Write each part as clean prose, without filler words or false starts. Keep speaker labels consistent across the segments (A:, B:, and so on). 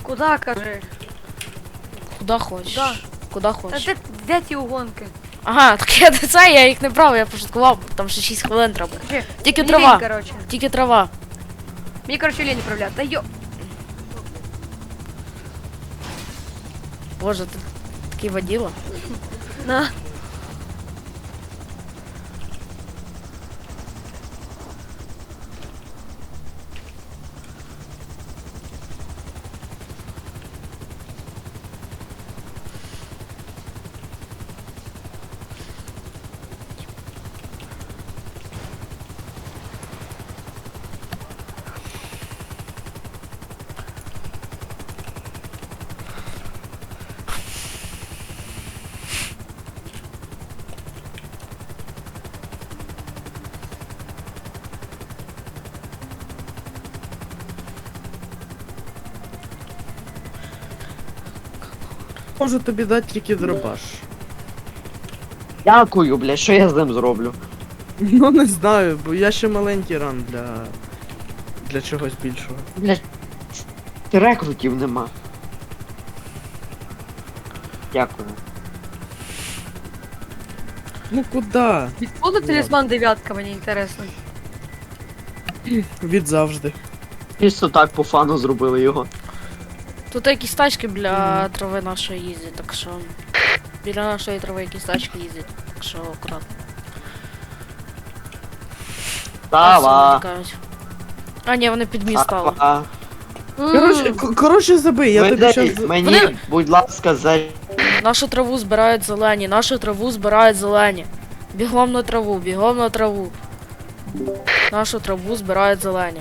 A: Куда, кажи?
B: Куда хочеш?
A: Куда?
B: Куда
A: Та
B: хочеш?
A: де ті угонки?
B: Ага, так я їх не брав, я пошуткував, там ще 6 хвилин треба.
A: Кажи,
B: Тільки
A: мені
B: трава.
A: лінь, короче.
B: Тільки трава.
A: Мені, короче, лень управляти. Та йо.
B: Боже, ти такий воділа.
A: На.
C: Можу тобі дати тільки дробаш.
D: Дякую, блядь, що я з ним зроблю?
C: Ну не знаю, бо я ще маленький ран для чогось більшого.
D: Блядь, рекрутів нема. Дякую.
C: Ну куди?
A: Відкуда талісман дев'ятка, мені інтересно.
C: Від завжди.
D: Чисто так по фану зробили його.
B: Тут якісь тачки біля трави нашої їздять, так що... Біля нашої трави якісь тачки їздять, так що акуратно.
D: Тава.
B: А, ні, вони під міст стали.
D: Тава.
C: Коротше забий, я тобі щас...
D: Мені, будь ласка,
B: Нашу траву збирають зелені, нашу траву збирають зелені. Бігом на траву, бігом на траву. Нашу траву збирають зелені.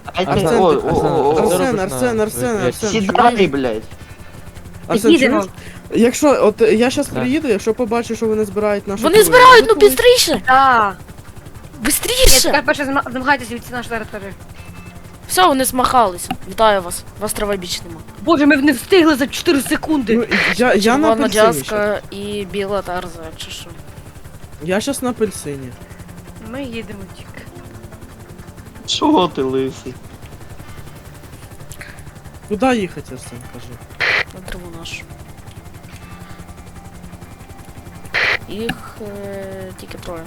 C: Арсен.
D: Сідай, блядь.
C: Арсен,
A: Їдемо.
C: чуєш? Якщо, от я щас приїду, якщо побачу, що вони збирають нашу
B: Вони
C: траву,
B: збирають,
C: я
B: ну
C: готовий.
B: бістріше!
A: Да. Ні,
B: Бистріше!
A: тепер перше замагайтеся від нашої території.
B: Все, вони змахались. Вітаю вас. Вас трава більше нема.
A: Боже, ми не встигли за 4 секунди.
C: Ну, я на
B: Червона
C: апельсині щас.
B: джазка і біла тарза, чи що.
C: Я щас на апельсині.
A: Ми їдемо тільки.
D: Чого ти лисий?
C: Куди їхати, Арсен, кажи?
B: На траву нашу. Їх тільки троє.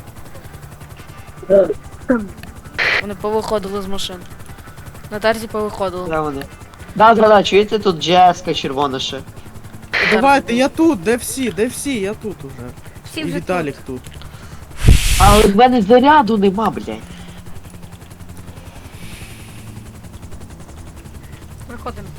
B: Вони повиходили з машин. На тарзі повиходили.
D: Де вони? Да, чуєте, тут джеска червона ще.
C: Давайте, я тут, де всі, я тут уже.
A: Всі
C: І
A: вже
C: Віталік тут.
D: Але в мене заряду нема, блядь.
A: Виходимо.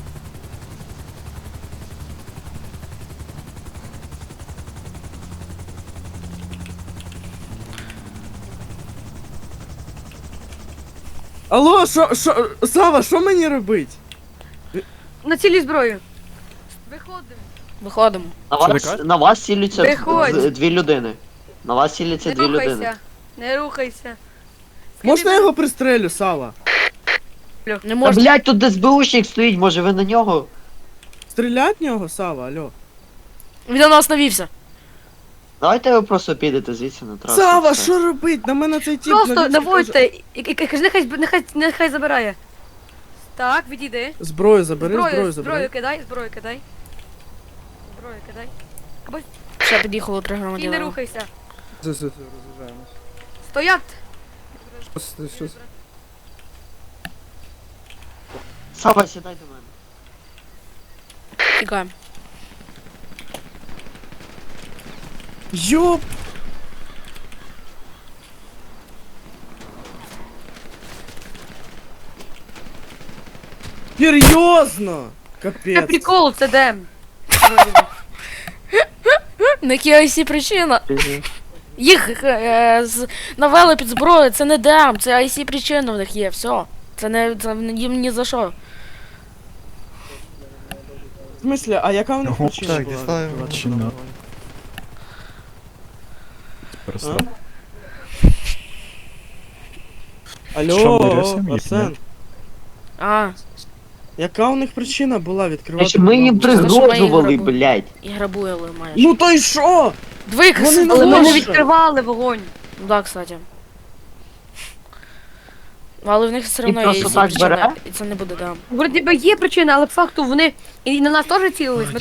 C: Алло, Сава, що мені робить?
A: На цілі зброю. Виходимо.
B: Виходимо.
D: На вас ціляться
A: Виходь.
D: дві людини. На вас ціляться
A: Не
D: дві людини.
A: рухайся. Не рухайся.
C: Можна я його пристрелю, Сава?
B: Не
D: Та,
B: можна.
D: блядь, тут СБУшник стоїть, може ви на нього?
C: Стрілять в нього, Сава, алло.
B: Він на нас навівся.
D: Давайте ви просто підете звідси на трасу.
C: Сава,
D: все.
C: що робить? На мене цей тіп
A: Просто
C: навівся,
A: наводьте. І кажи, нехай забирає. Так, відійди.
C: каже, Зброю забери, зброю забери.
A: Зброю кидай, зброю кидай. Зброю кидай. Або
B: Ще під'їхало 3
A: і не
B: громадяни.
A: рухайся.
C: Роз'їжджаємось.
A: Стоять!
D: Сава, сідай до мене.
B: Тікаємо.
C: Йоп! Серйозно?
A: Це
C: Капець.
A: прикол, це дем.
B: На якій ось причина? Їх навели під зброю, це не дем, це IC причина в них є, все. Це їм ні за що.
C: В смысле, а яка у них
E: Ну,
C: причина
E: так,
C: була?
E: дістаю
C: відкривати
E: причину.
C: вогонь?
E: Просто. Що, ми
C: Алло,
E: рисуємо їх,
C: Арсен,
E: ні?
B: А,
C: яка у них причина була відкривати
D: Ми їм
C: вогонь?
D: пригрожували,
B: грабуємо.
D: блядь.
B: і грабуємо майже.
C: Ну то й що?
B: Двоїх
C: вони
B: сидили.
A: Але ми не
C: Боже.
A: відкривали вогонь.
B: Ну да, кстати. Але в них все одно є
D: просто
B: IC
D: так
B: причина,
D: бере?
B: і це не буде дам.
A: Вроді би є причина, але по факту вони і на нас теж цілились. Ми